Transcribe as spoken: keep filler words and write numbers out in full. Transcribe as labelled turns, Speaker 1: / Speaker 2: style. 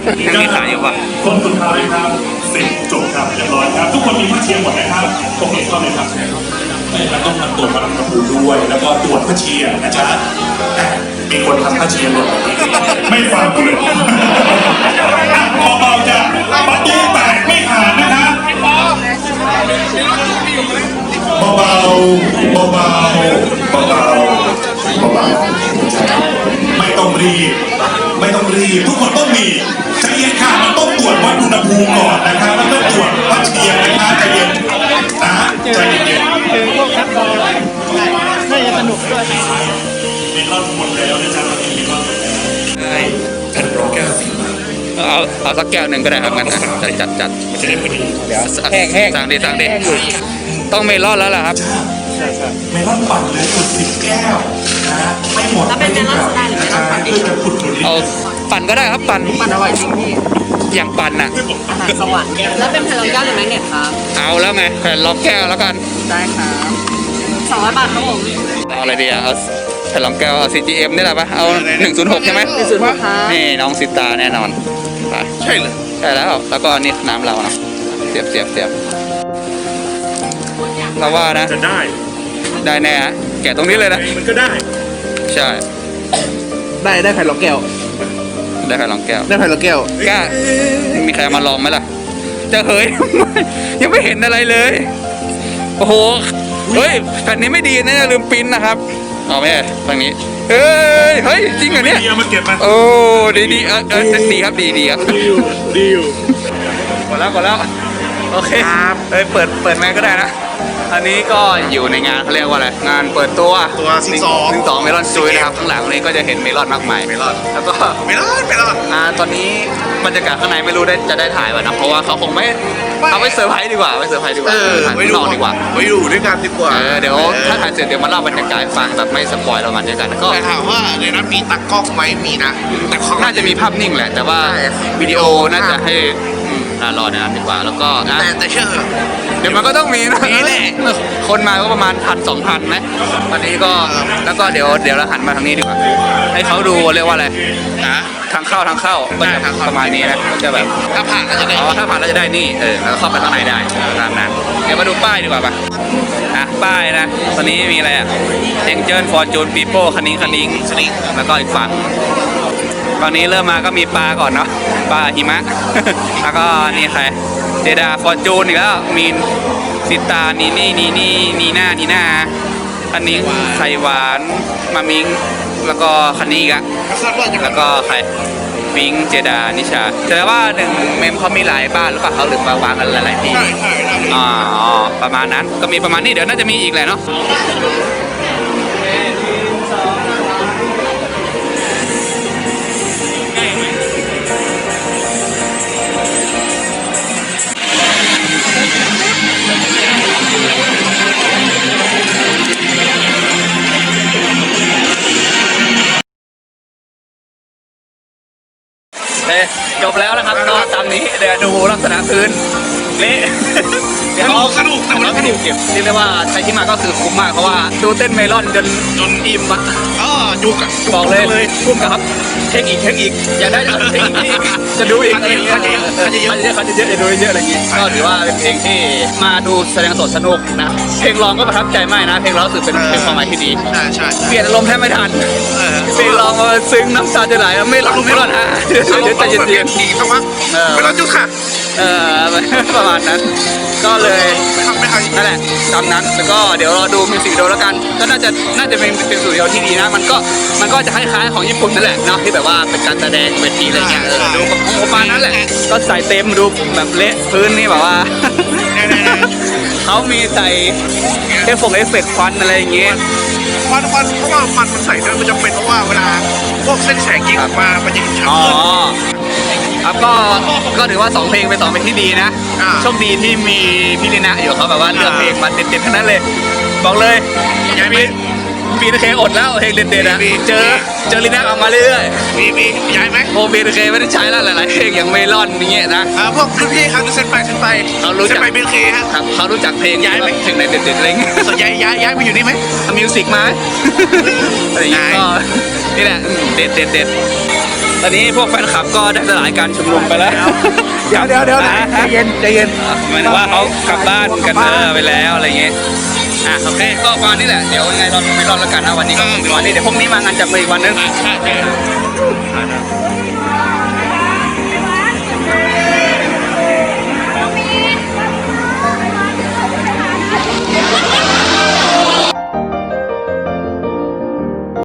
Speaker 1: ยังมีขายอยู่ปะ
Speaker 2: คนสุดท้ายครับสิบจบครับเรียบร้อยครับทุกคนมีผ้าเชียร์หมดนะครับตรงนี้เข้าเลยครับแล้วต้องทำตรวจมาทำกระปูด้วยแล้วก็ตรวจผ้าเชียร์นะจ๊ะมีคนทำผ้าเชียร์หมดไม่ฟังเลยเบาๆจ้ะประตูแตกไม่ผ่านนะครับเบาๆเบาๆเบาๆเบาๆไม่ต้องรีบไม่ต้องรีบทุกคนต้องมีใจเย็นค่ะมันต้องตรวจวัดอุณหภูมิก่อนนะครับมันต้องตรวจวัดเชียร์นะคะใจเย็นนะใจเย็น
Speaker 3: คือพวกนักบอลน่าจะสนุกด้วย
Speaker 2: มีรอบหมดแล้วนะจ๊ะมีรอบหมดแล้วใช่แผ่นรองแก้วสี
Speaker 1: เอาเอาสักแก้วหนึ่งก็ได้ครับงั้นนะจัดจัดจัด
Speaker 2: มันจะได้พอดี
Speaker 1: เดี๋ยวแห้งแห้งสั่งดิสั่งดิต้องเมลอนแล้วล่ะครับ
Speaker 2: เมลอนปั่นเลยกดสิบแก้วนะไม่หมด
Speaker 4: แล้วเป็นเมลอนโซดาหรือเมลอนปั่นดิ
Speaker 1: เอาปั่นก็ได้ครับปั่น
Speaker 4: ปั่นอร่อยจริงพี่
Speaker 1: อย่างปั่นอ่ะ
Speaker 4: อาหารสวรรค์แล้วเป็นแผ่นรองแก้วหรือแมกเนตครับ
Speaker 1: เอาแล้วไงแผ่นรองแก้วแล้วกัน
Speaker 4: ได้ครับสองร้อยบาทครับผม
Speaker 1: เอาอะไรดีอ่ะเอาแผ่นรองแก้วเอา ซี จี เอ็ม นี่แหละปะเอาหนึ่งศูนย์หกใช่ไหม
Speaker 4: หนึ่งศูนย์หกครับ
Speaker 1: นี่น้องสิตาแน่นอน
Speaker 2: ใช่เลย
Speaker 1: ใช่แล้วแล้วก็อันนี้น้ำเราเนาะเสียบเสียบเสียบเราว่านะ
Speaker 2: จะได้
Speaker 1: ได้แน่ฮะแกะตรงนี้เลยนะ
Speaker 2: มันก็ได้
Speaker 1: ใช่
Speaker 3: ได้ได้แผ่นรองแก้ว
Speaker 1: ได้แผ่นรองแก้ว
Speaker 3: ได้แผ่นรองแก้ว
Speaker 1: กล้ามีใครมาลองไหมล่ะจะเฮ้ยยังไม่เห็นอะไรเลยโอ้โหเฮ้ยแผ่นนี้ไม่ดีนะลืมปิ้นนะครับเอาไหมทางนี้เฮ้ยเฮ้ยจริงเหรอเนี่ย
Speaker 2: มาเก็บมา
Speaker 1: โอ้ดีดีเออเออดีครับดีดีครับ
Speaker 2: ดีอยู่ดีอยู่
Speaker 1: หมดแล้วหมดแล้วโอเคเฮ้ยเปิดเปิดแม่ก็ได้นะอันนี้ก็อยู่ในงานเขาเรียกว่าอะไรงานเปิดตัว
Speaker 2: ตัวซิงสอง
Speaker 1: ซิงสองเมลอนซุยนะครับข้างหลังนี้ก็จะเห็นเมลอนมากมาย
Speaker 2: เมลอน
Speaker 1: แล้วก็
Speaker 2: เมลอนเมลอน
Speaker 1: อ่าตอนนี้บรรยากาศข้างในไม่รู้ได้จะได้ถ่ายป่ะนะเพราะว่าเขาคงไม่เอาไปเซอร์ไพรส์ดีกว่าไปเซอร์ไพรส์ดีกว่าถ่ายข้างนอกดีกว่า
Speaker 2: ไปดูด้วยกันดีกว่า
Speaker 1: เดี๋ยวถ้าถ่ายเสร็จเดี๋ยวมาเล่าบรรยากาศฟังแบบไม่สปอยล์เรามันด้วยกันก็
Speaker 2: แต่ถามว่าในนั้นมีตักกล้องไหมมีนะ
Speaker 1: แต่น่าจะมีภาพนิ่งแหละแต่ว่าวิดีโอน่าจะให้รอในนั้นดีกว่าแล้วก็นะ
Speaker 2: แต่แต่เชื่อ
Speaker 1: เดี๋ยวมันก็ต้องมีนะ
Speaker 2: นี่แหละ
Speaker 1: คนมาก็ประมาณพันสองพันนะวันนี้ก็แล้วก็เดี๋ยวเดี๋ยวเราหันมาทางนี้ดีกว่าให้เขาดูเรียกว่าอะไร
Speaker 2: นะ
Speaker 1: ทางเข้าทางเข้าก็จะประมาณนี้นะจะแบบ
Speaker 2: ถ้าผ่านแล้วจะได้
Speaker 1: อ๋อถ้าผ่านแล้วจะได้นี่เออแล้วเข้าไปข้างในได้ตามนั้นเดี๋ยวมาดูป้ายดีกว่าป่ะอ่ะป้ายนะตอนนี้มีอะไรอ่ะเอ็งเจิลฟอร์จูนปีโป้คันนิ้งคันนิ้งแล้วก็อีกฝั่งตอนนี้เริ่มมาก็มีปลาก่อนเนาะปลาหิมะแล้วก็นี่ใครเจดาฟอร์จูนอีกแล้วมีซิตานีนี่นีนี่นีน่านีน่าคันนิ้งไข่หวานมามิงแล้วก็คันนี้อีกอะแล้วก็ใครปิงเจดานิชาแสดงว่าหนึ่งเมมเขามีหลายบ้านหรือเปล่าเขาหรือมาวางกันหลายๆที่อ๋อประมาณนั้นก็มีประมาณนี้เดี๋ยวน่าจะมีอีกแหละเนาะจบแล้วนะครับก็ตามนี้เดี๋ยวดูลักษณะพื้นเละ
Speaker 2: เดี๋ยวสนุกแต่ว่า
Speaker 1: สนุกเก็บเรียกได้ว่าใครที่มาก็คือคุ้มมากเพราะว่าดูเต้นเมลอนจน
Speaker 2: จน
Speaker 1: อิ่มอ่ะ
Speaker 2: อ๋อดูกับ
Speaker 1: บอกเลยเลยคุ้มครับเช็คอีกเช็คอีกอยากได้เช็คอีกจะดูอีกอะไรอย่างเงี้ยเขาจะเยอะเขาจะเยอะจะดูเยอะอะไรอย่างงี้ก็ถือว่าเป็นเพลงที่มาดูแสดงสดสนุกนะเพลงร้องก็ประทับใจมากนะเพลงร้องรู้สึกเป็นเพลงความหมายที่ดี
Speaker 2: ใช่ใช่
Speaker 1: เปลี่ยนอารมณ์แทบไม่ทันเพลงร้องมาซึ้งน้ำตาจะไหลไม่ร้องไม่ร้องฮะเดี๋ยวใจเย็น
Speaker 2: ๆดีสักพักไม่ร้องจุดค่ะ
Speaker 1: เออประมาณนั้นก็เลยนั่นแหละตามนั้นแล้วก็เดี๋ยวรอดูมิวสิกวิดีโอแล้วกันก็น่าจะน่าจะเป็นเป็นสูตรเดียวที่ดีนะมันก็มันก็จะคล้ายๆของญี่ปุ่นนั่นแหละเนาะที่แบบว่าเป็นการแสดงเวทีอะไรเงี้ยเออดูประมาณนั้นแหละก็ใส่เต็มดูแบบเละพื้นนี่แบบว่าเขามีใส่เอฟเฟกต์เอฟเฟกต์ควันอะไรอย่างเงี้ย
Speaker 2: ควันควันเพราะว่ามันมันใส่ด้วยมันจะเป็นเพราะว่าเวลาพวกเส้นแสงยิงออกมามันจะชัดขึ้น
Speaker 1: ครับก็ก็ถือว่าสองเพลงเป็นสองเพลงที่ดีนะโชคดีที่มีพี่ลินะอยู่เขาแบบว่าเลือกเพลงมาเด็ดๆทั้งนั้นเลยบอกเลยยังมีปีนเคอดแล้วเพลงเด็ดๆนะเจอเจอลินะออกมาเรื่อย
Speaker 2: ๆมีมีย้ายไหม
Speaker 1: โมบีนเคไม่ได้ใช้แล้วหลายๆเพลงอย่างเมลอนอย่างเงี้ยนะ
Speaker 2: พวกรุ่นพี่ครับเส้นไปเส้นไป
Speaker 1: เขารู้จัก
Speaker 2: ไปบีนเคครับ
Speaker 1: เขารู้จักเพลง
Speaker 2: ย้ายไหม
Speaker 1: เพลงในเด็ดๆอะไรเงี้ย
Speaker 2: ย้ายย้ายย้ายไปอยู่นี่ไหม
Speaker 1: ทำมิวสิกมาอะไรอย่างเงี้ยก็นี่แหละเด็ดเด็ดเด็ดตอนนี้พวกแฟนคลับก็ได้สลายการชุมนุมไปแล้ว
Speaker 3: เดี๋ยวเดี๋ยวเดี๋ยวใจเย็นใจเย็น
Speaker 1: หมายถึงว่าเขากลับบ้านกันเออไปแล้วอะไรเงี้ยอ่ะโอเคก็ประมาณนี้แหละเดี๋ยวยังไงรอไม่รอดแล้วกันนะวันนี้ก็คงเป็นวันนี้เดี๋ยวพรุ่งนี้มางานจับมืออีกวันนึง